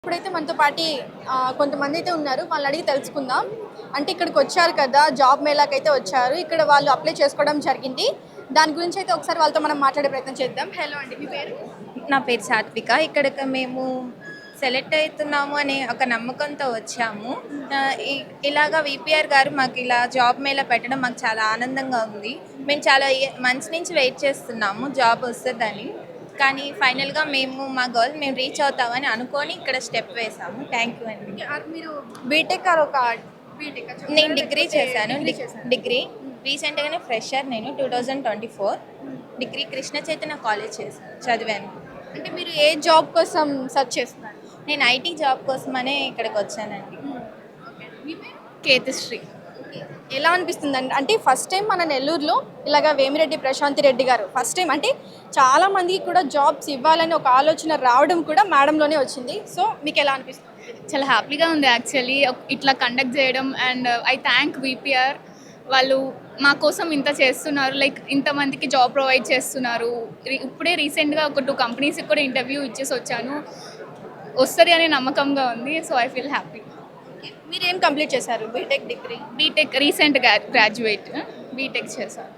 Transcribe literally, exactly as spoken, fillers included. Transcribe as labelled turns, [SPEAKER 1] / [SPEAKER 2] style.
[SPEAKER 1] ఇప్పుడైతే మనతో పాటి ఆహ్, కొంతమంది అయితే ఉన్నారు. వాళ్ళని అడిగి తెలుసుకుందాం. అంటే ఇక్కడికి వచ్చారు కదా! జాబ్ మేళాకైతే వచ్చారు. ఇక్కడ వాళ్ళు అప్లై చేసుకోవడం జరిగింది. దాని గురించి అయితే ఒకసారి వాళ్ళతో మనం మాట్లాడే ప్రయత్నం చేద్దాం. హలో అండి. మీ పేరు?
[SPEAKER 2] నా పేరు సాత్విక. ఇక్కడికి మేము సెలెక్ట్ అవుతున్నాము అనే ఒక నమ్మకంతో వచ్చాము. ఆహ్, ఇ ఇలాగ వీపీఆర్ గారు మాకు ఇలా జాబ్ మేళా పెట్టడం మాకు చాలా ఆనందంగా ఉంది. మేము చాలా ఇయ మంత్స్ నుంచి వెయిట్ చేస్తున్నాము జాబ్ వస్తదని. కానీ ఫైనల్‌గా మేము మా గోల్ మేము రీచ్ అవుతామని అనుకోని ఇక్కడ స్టెప్ వేసాము. థ్యాంక్ యూ అండి.
[SPEAKER 1] ఓకే. ఆర్ మీరు బీటెక్ ఆర్ ఒక బీటెకా చెప్తారా?
[SPEAKER 2] నేను డిగ్రీ
[SPEAKER 1] లేకపోతే
[SPEAKER 2] చేశాను.
[SPEAKER 1] డిగ్రీ
[SPEAKER 2] డిగ్
[SPEAKER 1] చేశారా?
[SPEAKER 2] డిగ్రీ రీసెంట్‌గానే ఫ్రెషర్ నేను రెండు వేల ఇరవై నాలుగు డిగ్రీ కృష్ణ చైతన్య కాలేజ్ చేశాను చదివాను.
[SPEAKER 1] అంటే మీరు ఏ జాబ్ కోసం సెర్చ్ చేస్తున్నారు?
[SPEAKER 2] నేను ఐటీ జాబ్ కోసమనే ఇక్కడికి వచ్చానండి.
[SPEAKER 1] ఓకే. మీ పేరు?
[SPEAKER 3] కేతశ్రీ.
[SPEAKER 1] ఎలా అనిపిస్తుందండి? అంటే ఫస్ట్ టైం మన నెల్లూరులో ఇలాగ వేమిరెడ్డి ప్రశాంతి రెడ్డి గారు ఫస్ట్ టైం అంటే చాలా మందికి కూడా జాబ్స్ ఇవ్వాలని ఒక ఆలోచన రావడం కూడా మేడంలోనే వచ్చింది. సో మీకు ఎలా అనిపిస్తుంది?
[SPEAKER 3] చాలా హ్యాపీగా ఉంది యాక్చువల్లీ ఇట్లా కండక్ట్ చేయడం. And I thank VPR. వాళ్ళు మా కోసం ఇంత చేస్తున్నారు, లైక్ ఇంతమందికి జాబ్ ప్రొవైడ్ చేస్తున్నారు. రీ- ఇప్పుడే రీసెంట్గా ఒక టూ కంపెనీస్కి కూడా ఇంటర్వ్యూ ఇచ్చేసి వచ్చాను. వస్తుంది అనే నమ్మకంగా ఉంది. So I feel happy.
[SPEAKER 1] మీరు ఏం కంప్లీట్ చేశారు? BTech degree.
[SPEAKER 3] BTech recent graduate BTech చేశాను.